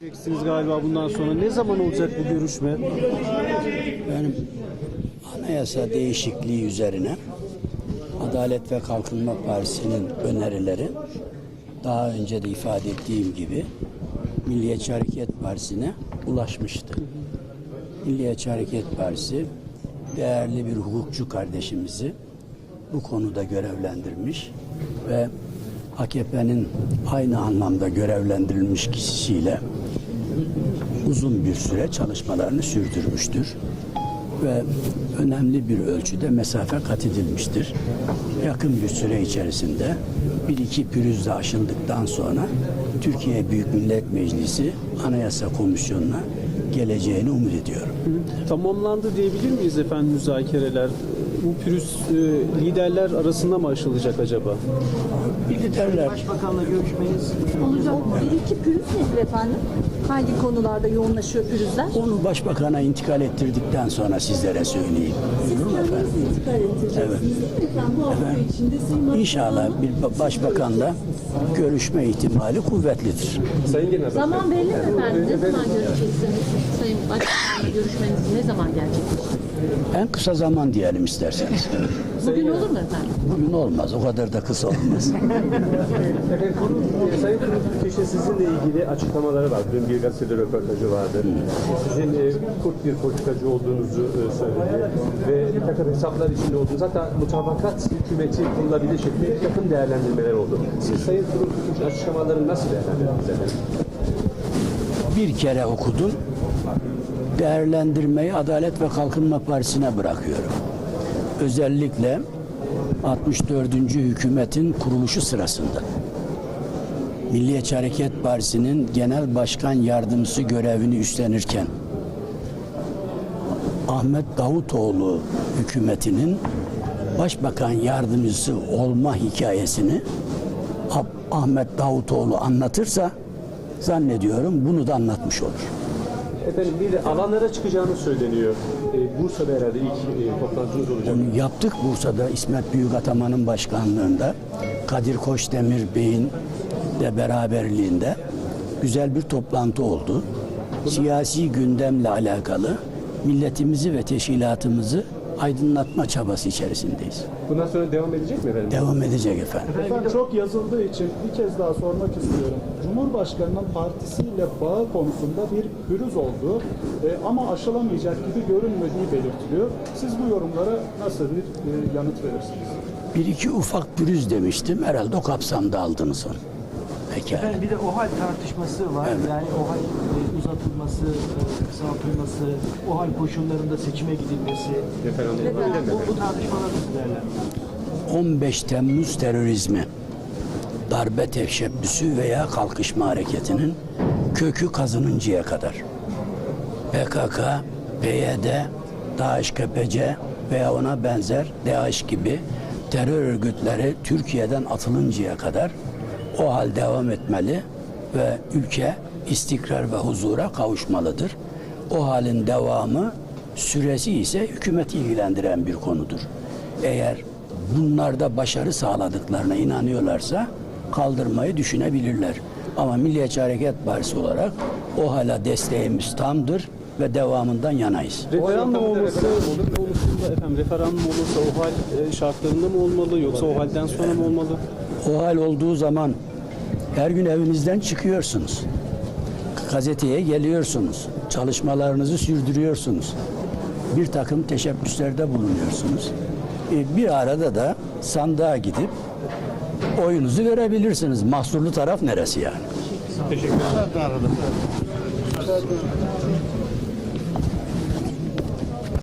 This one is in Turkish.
Diyeceksiniz galiba bundan sonra. Ne zaman olacak bu görüşme? Benim anayasa değişikliği üzerine Adalet ve Kalkınma Partisi'nin önerileri daha önce de ifade ettiğim gibi Milliyetçi Hareket Partisi'ne ulaşmıştı. Milliyetçi Hareket Partisi değerli bir hukukçu kardeşimizi bu konuda görevlendirmiş ve AKP'nin aynı anlamda görevlendirilmiş kişisiyle uzun bir süre çalışmalarını sürdürmüştür ve önemli bir ölçüde mesafe kat edilmiştir. Yakın bir süre içerisinde bir iki pürüz de aşıldıktan sonra Türkiye Büyük Millet Meclisi Anayasa Komisyonu'na geleceğini umut ediyorum. Tamamlandı diyebilir miyiz efendim müzakereler? Bu pürüz liderler arasında mı aşılacak acaba? Liderler Başbakanla görüşmeniz Olacak. Bir iki pürüz nedir efendim? Hangi konularda yoğunlaşıyor pürüzler? onu başbakana intikal ettirdikten sonra sizlere söyleyeyim. Buyurun efendim. Evet. İnşallah bir başbakanla görüşme ihtimali kuvvetlidir. Zaman belli mi efendim? Ne zaman görüşeceksiniz? Sayın Başbakan'la görüşmeniz ne zaman gerçekleşecek? En kısa zaman diyelim isterseniz. Bugün olur mu efendim? Bugün olmaz, o kadar da kısa olmaz. Sayın Kılıçdaroğlu sizinle ilgili açıklamaları var. Dün bir gazetede röportajı vardı. Sizin kurt bir politikacı olduğunuzu söyledi. Ve bir takım hesaplar içinde olduğunuz, hatta mutabakat hükümeti kurulabilir şeklinde bir takım değerlendirmeler oldu. Siz Sayın Kılıçdaroğlu'nun açıklamalarını nasıl değerlendirdiniz efendim? Bir kere okudum. Değerlendirmeyi Adalet ve Kalkınma Partisi'ne bırakıyorum. Özellikle 64. hükümetin kuruluşu sırasında Milliyetçi Hareket Partisi'nin genel başkan yardımcısı görevini üstlenirken Ahmet Davutoğlu hükümetinin başbakan yardımcısı olma hikayesini Ahmet Davutoğlu anlatırsa zannediyorum bunu da anlatmış olur. Efendim bir de alanlara çıkacağını söyleniyor. Bursa'da herhalde ilk toplantınız olacak. Onu yaptık Bursa'da İsmet Büyükataman'ın başkanlığında, Kadir Koçdemir Bey'in de beraberliğinde güzel bir toplantı oldu. Siyasi gündemle alakalı milletimizi ve teşkilatımızı aydınlatma çabası içerisindeyiz. Bundan sonra devam edecek mi efendim? Devam edecek efendim. Efendim çok yazıldığı için bir kez daha sormak istiyorum. Cumhurbaşkanının partisiyle bağı konusunda bir pürüz olduğu ama aşılamayacak gibi görünmediği belirtiliyor. Siz bu yorumlara nasıl bir yanıt verirsiniz? Bir iki ufak pürüz demiştim. Herhalde o kapsamda aldınız onu. Pekala. efendim bir de OHAL tartışması var. Evet. Yani OHAL uzatılması, kısaltılması, OHAL koşullarında seçime gidilmesi. Bu tartışmalar nasıl değerlendiriyorsunuz? 15 Temmuz terörizmi, darbe teşebbüsü veya kalkışma hareketinin kökü kazınıncaya kadar PKK, PYD, DAEŞ-KPC veya ona benzer DAEŞ gibi terör örgütleri Türkiye'den atılıncaya kadar o hal devam etmeli ve ülke istikrar ve huzura kavuşmalıdır. O halin devamı süresi ise hükümeti ilgilendiren bir konudur. Eğer bunlarda başarı sağladıklarına inanıyorlarsa kaldırmayı düşünebilirler. Ama Milliyetçi Hareket Partisi olarak o hala desteğimiz tamdır ve devamından yanayız. Referandum olması konusunda efendim referandum olursa o hal şartlarında mı olmalı yoksa o halden sonra mı olmalı? O hal olduğu zaman her gün evinizden çıkıyorsunuz. Gazeteye geliyorsunuz. Çalışmalarınızı sürdürüyorsunuz. Bir takım teşebbüslerde bulunuyorsunuz. Bir arada da sandığa gidip oyunuzu verebilirsiniz. Mahsurlu taraf neresi yani? Teşekkür ederim.